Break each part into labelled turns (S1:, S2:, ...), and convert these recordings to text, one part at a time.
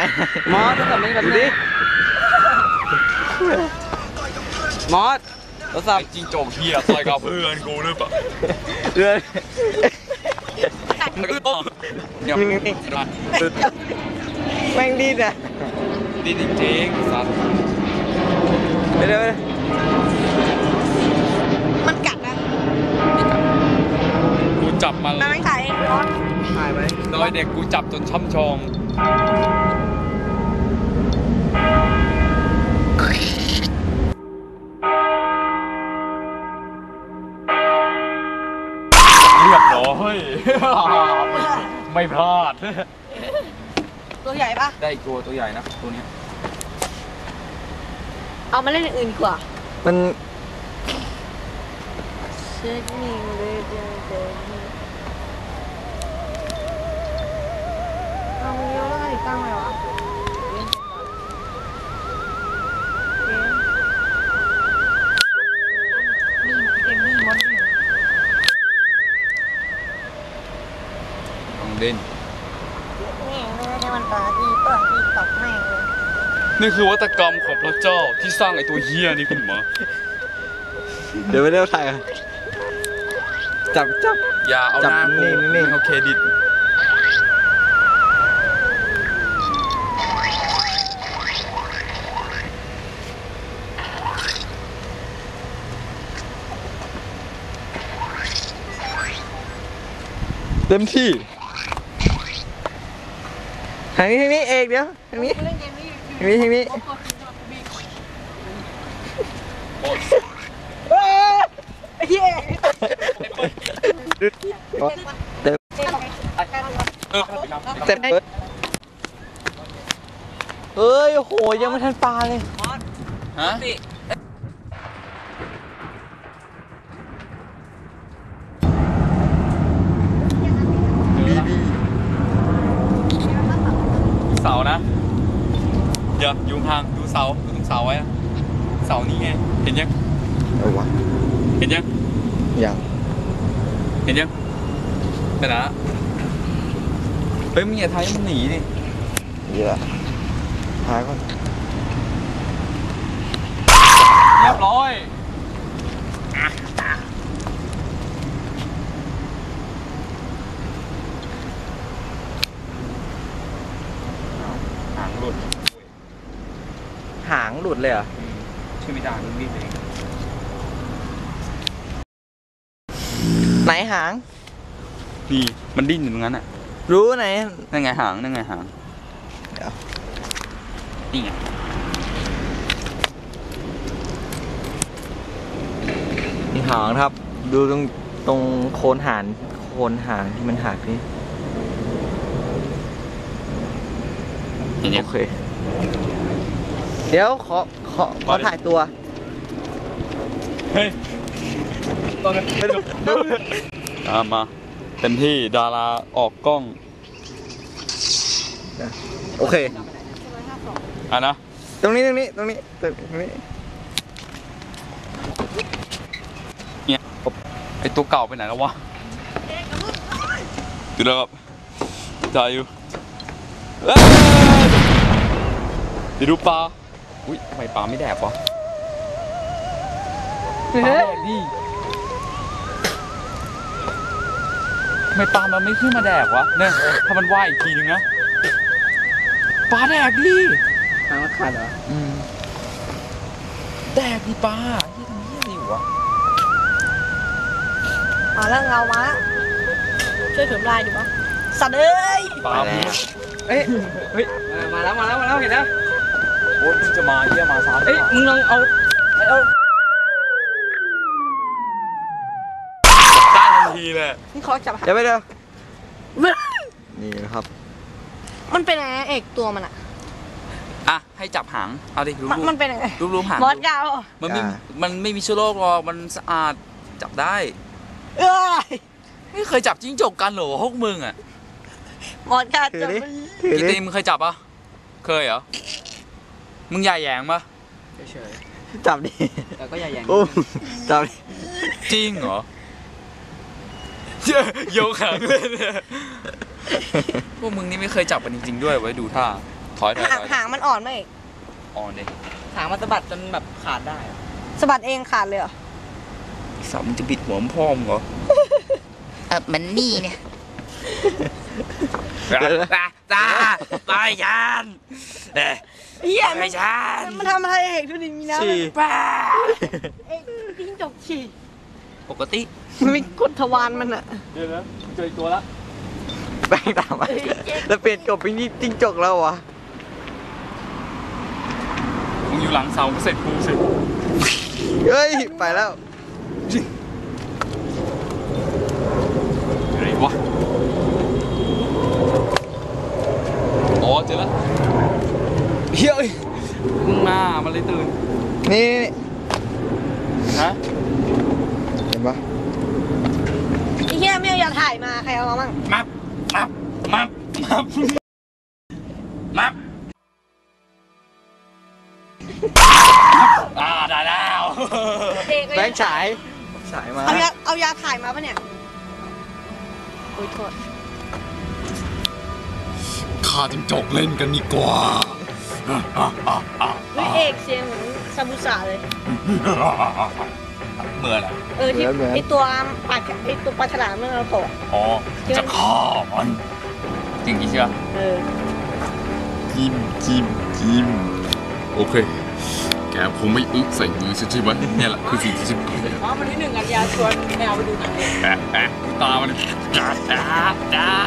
S1: มอสโทรศัพท์นี่กันดิมอสโทรศัพท์
S2: จริงโจกเฮียซอยกับเพื่อนกูหรือเปล่า
S1: เพื่อน
S2: เนี่ย
S1: แม่งดีนะ
S2: ดีจริงๆสัตว์
S1: ไปเลย
S3: มันกัดนะ
S2: กูจับมัน
S3: ไม่ถ่ายร้อน
S1: ถ่ายไหม
S2: โดยเด็กกูจับจนช่ำชองเรียบร้อยไม่พลาด
S3: ตัวใหญ่ปะ
S2: ได้อีกตัวใหญ่นะตัวนี้
S3: เอามาเล่นอย่างอื่นดีกว่า
S1: มัน
S3: เช็คนิ่งเลยเอาเยอะแล้วตั้งไว้วะ
S2: เล่น
S3: มันปาดีเปิดดีตกแม่งเลย
S2: นี่คือวัตกรรมของพระเจ้าที่สร้างไอ้ตัวเฮียนี่ขึ้นมา
S1: เดี๋ยวไปเร็วถ่ายจับ
S2: อย่าเอาหน้ากู
S1: นี่
S2: เอาเครดิต
S1: เต็มที่ทางนี้เอกเดี๋ยวทางนี้เต็มเฮ้ยโหยังไม่ทันปลาเลย
S2: ฮะเสานะเดี๋ยวอยู่ห่างดูเสาดูตรงเสาไว้นะเสานี่ไงเห็นยัง
S1: วะ
S2: เห็นยังเห็นยังไปนะเฮ้ยมึงอย่าทายมันหนีดิ
S1: เยอะทายก่อน
S2: เรียบร้อยหางหลุด
S1: เลยเหรอ
S2: ช่วยไม่ได้มึงรีบเอง
S1: ไหนหาง
S2: นี่มันดิ้นอยู่ตรงนั้นอ่ะ
S1: รู้ไหน
S2: นั่นไงหางนี่ไง
S1: นี่หางครับดูตรงโคนหางที่มันหักนี่โอเคเดี๋ยวขอถ่ายตัว
S2: เฮ้ยมาเต็มที่ดาราออกกล้อง
S1: โอเค
S2: นะ
S1: ตรงนี้
S2: เนี่ยไอตัวเก่าไปไหนแล้ววะดูแล้วครับจ่ายอยู่เดี๋ยวดูปลาอุ้ยทำไมปลาไม่แดกวะปลาแดกดิทำไมปลามันไม่ขึ้นมาแดกวะเนี่ยถ้ามันว่ายอีกทีนึงนะปลาแดกดิ
S1: ทางมันขาดเหรอ
S2: แดกดิปลาที่ทำเหี้ยอะไรอยู่วะ
S3: มาแล้วเงามาช่วยเสริมลายดูปะสัตว์เอ้ย
S2: ปลา
S1: เฮ้ยมาแล้วเห็นแล้ว
S2: โอ้ยมึงจะมาเยี่ยมาซ้ำ
S1: เอ้ยมึงลองเอา
S2: ได้ทันทีเลย
S3: นี่เขาจับ
S1: เดี๋ยวไปเดี๋ยวนี่นะครับ
S3: มันเป็นไงเอกตัวมัน
S2: อ่ะให้จับหางเอาดิ
S3: มันเป็นยังไง
S2: รูปหาง
S3: มอสยาว
S2: มันไม่มีเชื้อโรคหรอกมันสะอาดจับได้ไม่เคยจับจิ้งจกกันเหรอพวกมึงอ่ะ
S3: มอสจับ
S2: กี่ตีมึงเคยจับปะเคยเหรอมึงใหญ่แยงปะ
S1: เฉยจับดิ
S2: แต่ก็ใหญ่แยง
S1: จับดิ
S2: จริงเหรอโยกหางเลยพวกมึงนี่ไม่เคยจับกันจริงๆด้วยไว้ดูท่าถอย
S3: หางมันอ่อนไหมเอก
S2: อ่อนดิ
S1: หางมันสะบัดจนแบบขาดได้
S3: สะบัดเองขาดเลยเหรอ
S2: สับมันจะบิดหัวพ่อมเหรอมันนี่เนี่ยจ้าไปยัน
S3: เฮีย
S2: ไปยัน
S3: มันทำอะไรเอกดูดิมีน้ำ
S1: ฉี่
S3: ป้าเอกจิ้งจกฉี่
S2: ปกติ
S3: มันมีกดทวารมันอะ
S2: เดี๋ยวนะเจอตัวละ
S1: แป้งตามมาแล้วเปลี่ยนกบเป็นจิ้งจกแล้ววะ
S2: มึงอยู่หลังเสาก็เสร็จกูสิ
S1: เฮ้ยไปแล้ว
S2: อะไรวะอ๋อเจอแล้วเฮ้ยมึงมามันเลยตื่น
S1: นี่
S2: ฮะ
S1: เห็นปะ
S3: ไอ้เฮียไม่เอาอย่าถ่ายมาใครเอามามั่ง
S2: มับได้แล้ว
S3: เอก
S1: แบงค์ฉายมา
S3: เอายาถ่ายมาปะเนี่ยโอ้ยโทษ
S2: ข้าจิ้งจกเล่นกันดีกว่า
S3: เฮ้ยเอกเสียงเหมือนซาบุสะเลย
S2: เมื่อไหร่
S3: ที่ไอตัวปลาฉลามเมื่อเราโตะ
S2: อ๋อจะฆ่ามันจริงใช่ไหม
S4: จิ้มโอเค แกคงไม่อึใส่มือใช่ไหมเนี่ยแหละคือสิ่งที่ฉันเกลียด
S1: อ๋อวันที่1 กันยาชวนแมวไปดูหนัง
S4: ตามันจ้า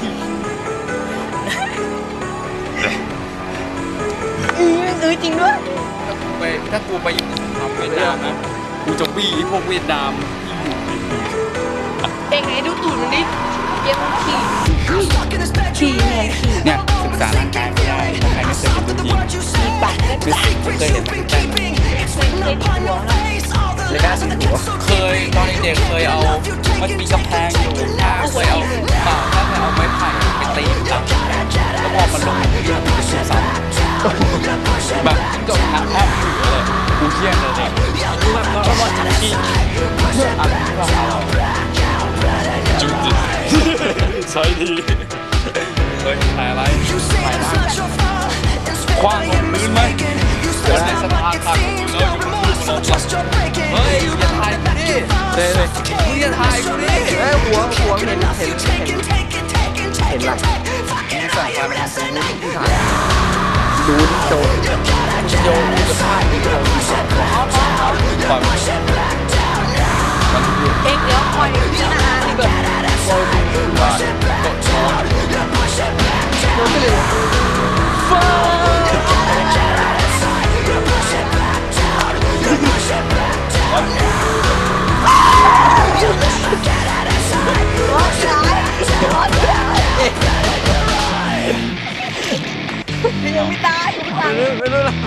S3: จริงด้วย
S4: ถ้ากูไปทำเวียดนามนะกูจะบี้พวกเวียดนามที่อยู่ในมือ
S3: เอกไหนดูตูดมันดิเยี่ยมขี่เนี่ยขี่
S2: เนี่ยศึกษาร่างกายไม่ได้ถ้าใครไม่เคยเห็นจริง
S3: ขี่ปากได้ปาก
S2: เคยเห็นแต่
S3: เคยดูหัวนะ
S1: เลยน่าสิหัว
S2: เคยตอนเด็กเคยเอามันมีกำแพงอยู่เคยเอาถ้าเคยเอาไม้ไผ่ไปตีหลังแล้วพอมันลงที่มันจะสูงซ้ำแบบจิ้งจกแทบถือเลยกูเชี่ยเลยเนี่ยคือแบบเราบอลจับกินอะไรที่เราเอา
S4: จุดดิใช่ดี
S2: เฮ้ยถ่ายอะไรถ่ายอะไรคว้างลงพื้นไหมคนในสถานขาดคุณแล้วอยู่บนพื้นบนรถเฮ้ยอย่าถ่ายกูดิ
S1: เลยเลย
S2: มึงอย่าถ่ายกูดิ
S1: หัวเห็นหลังมีสายไฟมันดูนี่โจร
S2: โยนกูจะถ่ายกูจะปล่อยมัน
S3: เอกเดี๋ยวปล่อยพี่นาอาดีกว่า
S2: ว่าตกช้อน
S3: โดนไปเลยร้อนร้ายยังไม่ตายยังไม่ตาย
S1: ไม่รู้ละ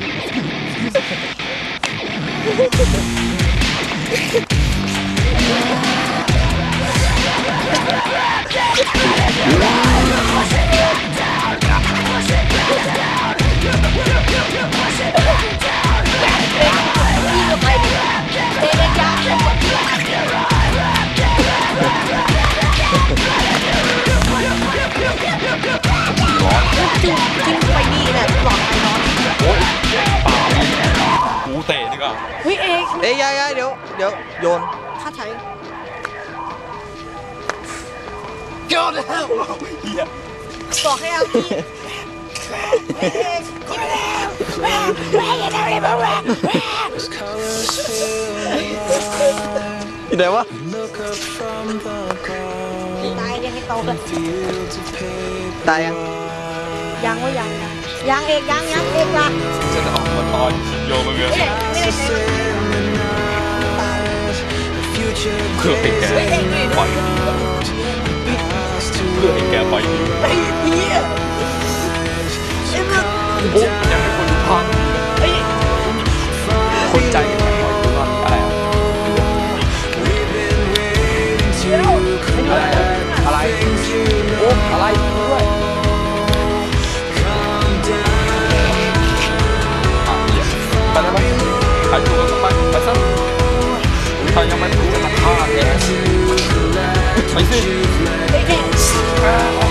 S3: จิ้มไปนี่แหละหลอดไฟร้อน
S2: โอ๊ยป่ากูเตะดีกว่า
S3: เฮ้ยเอก
S1: ยายเดี๋ยวโยน
S3: ค่าใช้
S2: โยนแล้วเฮีย
S3: บอกให้เอาพี่เอกกินแล้วแม่ยังไม่ได้บอก
S1: ที่ไหนวะ
S3: ตายยังให้โตเลย
S1: ตายยัง
S3: ยังว่ายังเอกยังเอกละ
S2: จะออกมาตอนโยนมาเงือ
S3: ไม่ได้ใช้
S2: เพื่อให้แกปล่อยเพื่อให้แกปล่อยดี
S3: ไอ้เหี้ยไอ้มึง
S2: โอ้ยังไม่คนพัง
S3: ไอ้
S2: คนใจแข็งปล่อยกูก่อนอะไร
S3: เชี่ยว
S2: อะไรโอ้อะไรด้วยไปแล้วไปหายตัวไปซะใครยังไม่ถูกจะมาฆ่าแกไปสิ
S3: ไอ้เอก